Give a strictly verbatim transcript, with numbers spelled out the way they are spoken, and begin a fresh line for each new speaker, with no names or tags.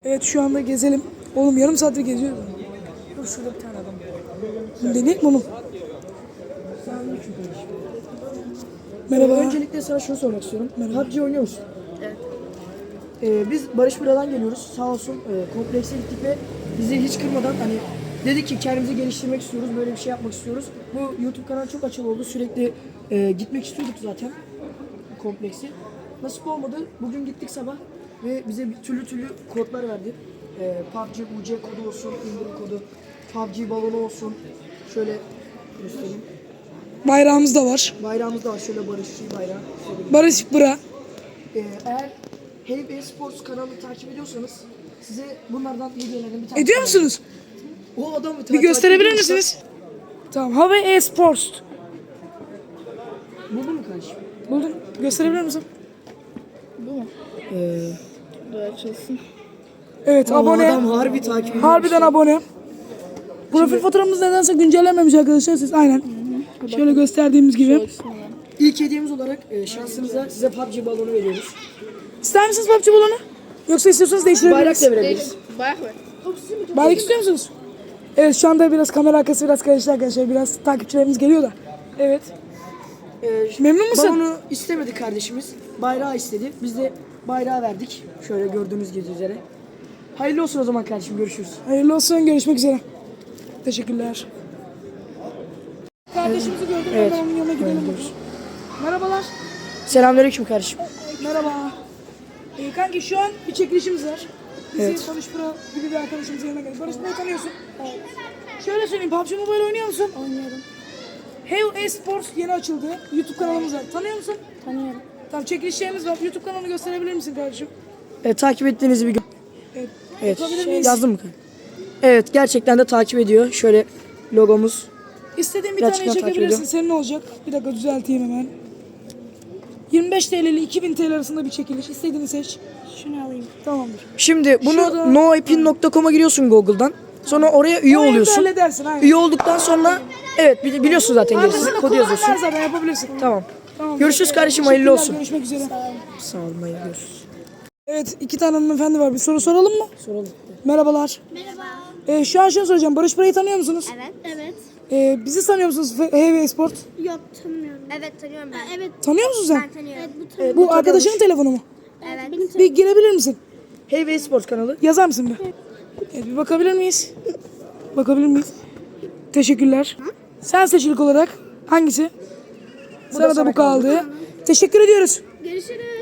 Evet şu anda gezelim. Oğlum yarım saattir geziyoruz.
Dur şurada bir tane adam.
Deneyelim mi oğlum? Merhaba.
Ee, öncelikle sana şunu sormak istiyorum. P U B G oynuyor musun? Evet. Ee, biz Barış Bura'dan geliyoruz. Sağ olsun e, komplekse gittik ve bizi hiç kırmadan hani dedik ki kendimizi geliştirmek istiyoruz. Böyle bir şey yapmak istiyoruz. Bu YouTube kanalı çok açılı oldu. Sürekli e, gitmek istiyorduk zaten kompleksi. Nasip olmadı. Bugün gittik sabah ve bize bir türlü türlü kodlar verdi. E, P U B G U C kodu olsun, indirim kodu, P U B G balonu olsun. Şöyle göstereyim.
Bayrağımız da var.
Bayrağımız da var. Şöyle Barışçı bayrağı.
Barış Bıra.
Ee, eğer Hey Esports kanalını takip ediyorsanız size bunlardan hediyelerden bir tane.
Ediyor musunuz?
O adamı
Bir gösterebilir misiniz? Tamam. Hava Esports.
Buldun mu kardeşim?
Buldum. Gösterebilir misin?
Ee,
Evet
o
abone.
adam harbi takip ediyor.
Harbiden abone. Profil fotoğrafımız nedense güncellenmemiş arkadaşlar siz aynen. Şöyle gösterdiğimiz gibi.
İlk hediyemiz olarak e, şansınıza size P U B G balonu veriyoruz.
İster misiniz P U B G balonu? Yoksa istiyorsanız değiştirebiliriz.
Bayrak da verebiliriz.
Bayrak istiyor musunuz? Evet şu anda biraz kamera arkası biraz karıştı arkadaşlar. Biraz takipçilerimiz geliyor da. Evet.
Ee,
Memnun musun?
Balonu istemedi kardeşimiz. Bayrağı istedi. Biz de bayrağı verdik. Şöyle gördüğünüz gibi üzere. Hayırlı olsun o zaman kardeşim. Görüşürüz.
Hayırlı olsun. Görüşmek üzere. Teşekkürler. Kardeşimizi gördüm.
Evet.
Ben onun yanına gidelim. Merhabalar.
Selamünaleyküm kardeşim.
Merhaba. Ee, kanki şu an bir çekilişimiz var. Bizi
Evet.
Barış Pro gibi bir arkadaşımızın yanına geldik. Barış Pro'yu tanıyorsun. Evet. Şöyle söyleyeyim. P U B G Mobile oynuyor musun?
Oynuyorum.
Hey Esports yeni açıldı. YouTube kanalımız var. Tanıyor musun?
Tanıyorum.
Tamam çekilişlerimiz var. YouTube kanalını gösterebilir misin kardeşim?
E, takip ettiğinizi bir gö-
Evet.
Evet.
Yapabilir
Şey,
miyiz?
yazdın mı? Evet gerçekten de takip ediyor. Şöyle logomuz.
İstediğin bir
Gerçekten
taneyi
takip
çekebilirsin.
ediyorum.
Senin olacak. Bir dakika düzelteyim hemen. yirmi beş TL ile iki bin TL arasında bir çekiliş. İstediğini seç.
Şunu alayım.
Tamamdır.
Şimdi bunu
Şurada-
noepin nokta com'a giriyorsun Google'dan. Sonra oraya üye
Orayı da
oluyorsun.
halledersin. Aynen.
Üye olduktan sonra evet bili- biliyorsun zaten gerisini.
Arkasında
Kodu
kodun
yazıyorsun.
var zaten yapabilirsin.
Tamam.
Tamam.
Görüşürüz kardeşim, hayırlı olsun.
Görüşmek üzere.
Sağ olun, hayırlı görüşürüz.
Evet iki tane hanımefendi var. Bir soru soralım mı?
Soralım.
Merhabalar.
Merhaba.
Ee, şu an şunu soracağım. Barış Buray'ı tanıyor musunuz?
Evet. Evet.
Ee, bizi tanıyor musunuz? Hey ve Esport.
Yok tanımıyorum. Evet tanıyorum ben. Evet.
Tanıyor musun sen?
Ben tanıyorum. Evet bu tanıyorum.
Bu arkadaşının telefonu mu?
Evet. Benim
Bir girebilir misin?
Hey ve Esports kanalı.
Yazar mısın bir? Evet, bir bakabilir miyiz? Bakabilir miyiz? Teşekkürler. Sen seçilik olarak hangisi? Sana da
sana
bu kaldı. Teşekkür ediyoruz.
Görüşürüz.